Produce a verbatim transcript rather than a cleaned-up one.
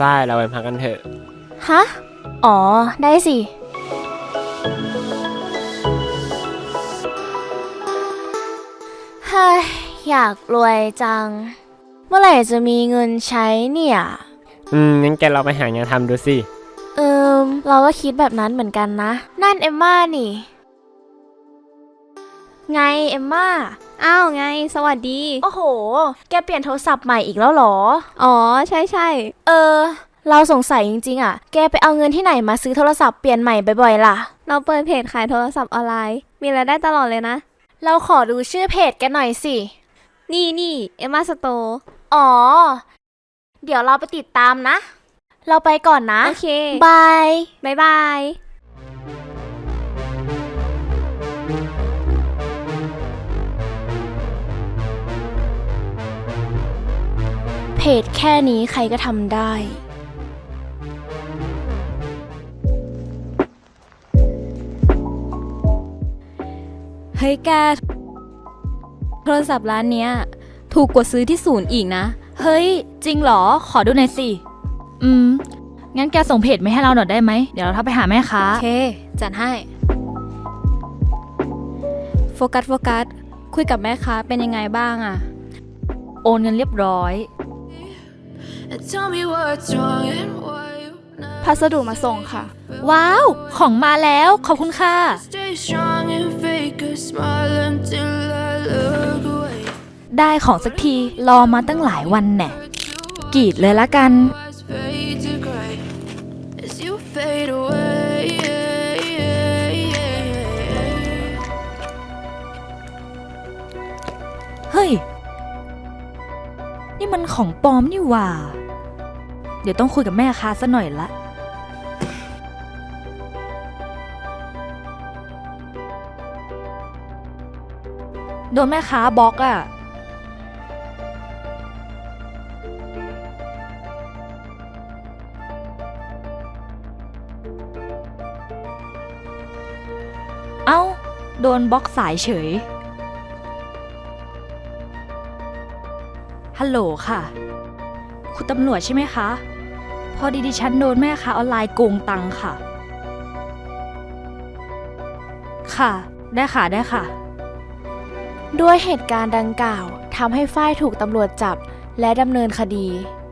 ฝ้ายเราไปพักกันเถอะฮะอ๋อได้สิเฮ้ยอยากรวยจังเมื่อไหร่จะมีเงินใช้เนี่ยอืมงั้นแกเราไปหางานทำดูสิเอิมเราก็คิดแบบนั้นเหมือนกันนะนั่นเอมม่านี่ไงเอมม่าอ้าวไงสวัสดีโอ้โหแกเปลี่ยนโทรศัพท์ใหม่อีกแล้วหรออ๋อใช่ใช่เออเราสงสัยจริงๆอ่ะแกไปเอาเงินที่ไหนมาซื้อโทรศัพท์เปลี่ยนใหม่บ่อยๆล่ะเราเปิดเพจขายโทรศัพท์ออนไลน์มีรายได้ตลอดเลยนะเราขอดูชื่อเพจแกหน่อยสินี่นี่เอมม่าสโตร์อ๋อเดี๋ยวเราไปติดตามนะเราไปก่อนนะโอเคบายบายบายเพจแค่นี้ใครก็ทำได้เฮ้ยแกโทรศัพท์ร้านเนี้ยถูกกว่าซื้อที่ศูนย์อีกนะเฮ้ยจริงเหรอขอดูหน่อยสิอืมงั้นแกส่งเพจมาให้เราหน่อยได้ไหมเดี๋ยวเราทักไปหาแม่ค้าโอเคจัดให้โฟกัสโฟกัสคุยกับแม่ค้าเป็นยังไงบ้างอะโอนเงินเรียบร้อยพัสดุมาส่งค่ะว้าวของมาแล้วขอบคุณค่ะได้ของสักทีรอมาตั้งหลายวันแน่กรีดเลยละกันเฮ้ยนี่มันของปลอมนี่หว่าเดี๋ยวต้องคุยกับแม่ค้าซะหน่อยละโดนแม่ค้าบล็อกอ่ะเอ้าโดนบล็อกสายเฉยฮัลโหลค่ะคุณตำรวจใช่ไหมคะพอดีดิฉันโดนแม่ค้าออนไลน์โกงตังค่ะค่ะได้ค่ะได้ค่ะด้วยเหตุการณ์ดังกล่าวทำให้ฝ้ายถูกตำรวจจับและดำเนินคดี